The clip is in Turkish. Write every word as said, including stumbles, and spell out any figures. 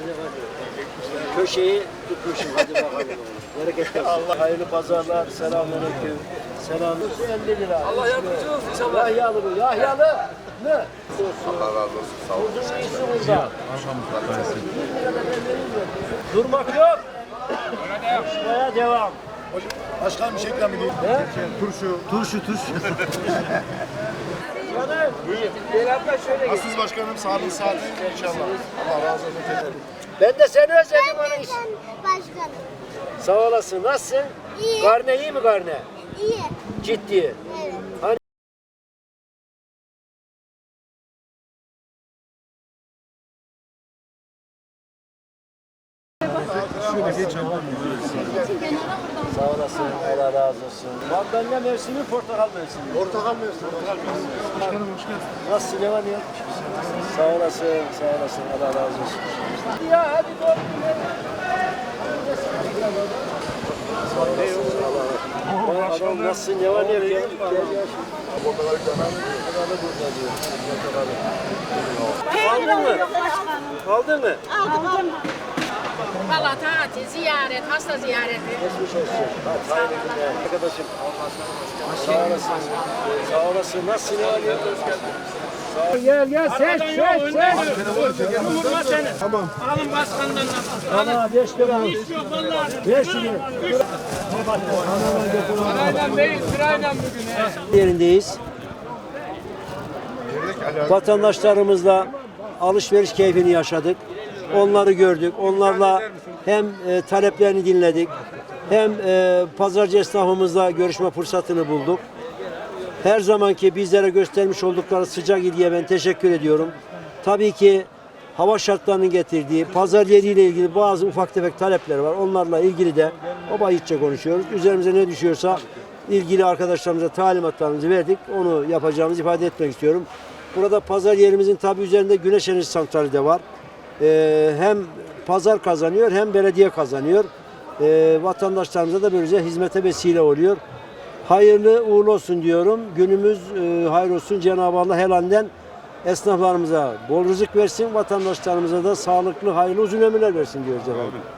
Köşeyi tutmuşum. Hadi bakalım. Bereketli. Allah hayırlı pazarlar. Selamünaleyküm. Selam. elli lira. Allah yardımcı olsun inşallah. Yahyalı bu. Yahyalı. Ne? Allah razı olsun. Sağ olun. Uzun iyisi burada. Durmak yok. Şuraya devam. Başkan bir şey ikram edeyim. Ne? Turşu. Turşu, turşu. Canım. Gel abla şöyle gel. Aziz başkanım sağlık saati inşallah. Allah razı olsun tekrar. Ben de seni özledim onun için. Başkanım. Sağ olasın. Nasılsın? İyi. Karne iyi mi karne? İyi. Ciddi. Evet. Hani Şöyle geç ama. sağ olasın. Allah razı olsun. Mandalina mevsimi, portakal mevsimi. Portakal mevsimi. Portakal mevsimi. Başkanım hoş geldin. Nasılsın? Ne var ne yok? Sağ olasın. Sağ olasın. Allah razı olsun. Ya hadi doğru. Sağ olasın. Allah razı olsun. Adam nasılsın? Ne var ne yok? Gel gel. Portakal ikram. Portakalı burada diyor. Portakalı. Aldın mı? Aldın mı? Aldım. Valla tatil, ziyaret, hasta ziyareti. Geçmiş olsun. Hadi hayırlı günler. Arkadaşım. Sağ olasın. Sağ olasın. Nasılsın? Ne var ne yok? Sağ ol. Gel gel seç seç seç. Vurma seni. Tamam. Alın başkandan nasıl? Ana beş lira. Hiç yok vallahi. Beş lira. Sırayla değil, sırayla bugün. he. Yerindeyiz. Vatandaşlarımızla alışveriş keyfini yaşadık. Onları gördük. Onlarla hem e, taleplerini dinledik. Hem e, pazarcı esnafımızla görüşme fırsatını bulduk. Her zamanki bizlere göstermiş oldukları sıcak ilgiye ben teşekkür ediyorum. Tabii ki hava şartlarının getirdiği pazar yeriyle ilgili bazı ufak tefek talepler var. Onlarla ilgili de o bahitçe konuşuyoruz. Üzerimize ne düşüyorsa ilgili arkadaşlarımıza talimatlarımızı verdik. Onu yapacağımızı ifade etmek istiyorum. Burada pazar yerimizin tabii üzerinde güneş enerji santrali de var. Ee, hem pazar kazanıyor hem belediye kazanıyor. Ee, vatandaşlarımıza da böylece hizmete vesile oluyor. Hayırlı uğurlu olsun diyorum. Günümüz e, hayır olsun. Cenab-ı Allah helalinden esnaflarımıza bol rızık versin. Vatandaşlarımıza da sağlıklı, hayırlı uzun ömürler versin diyoruz efendim.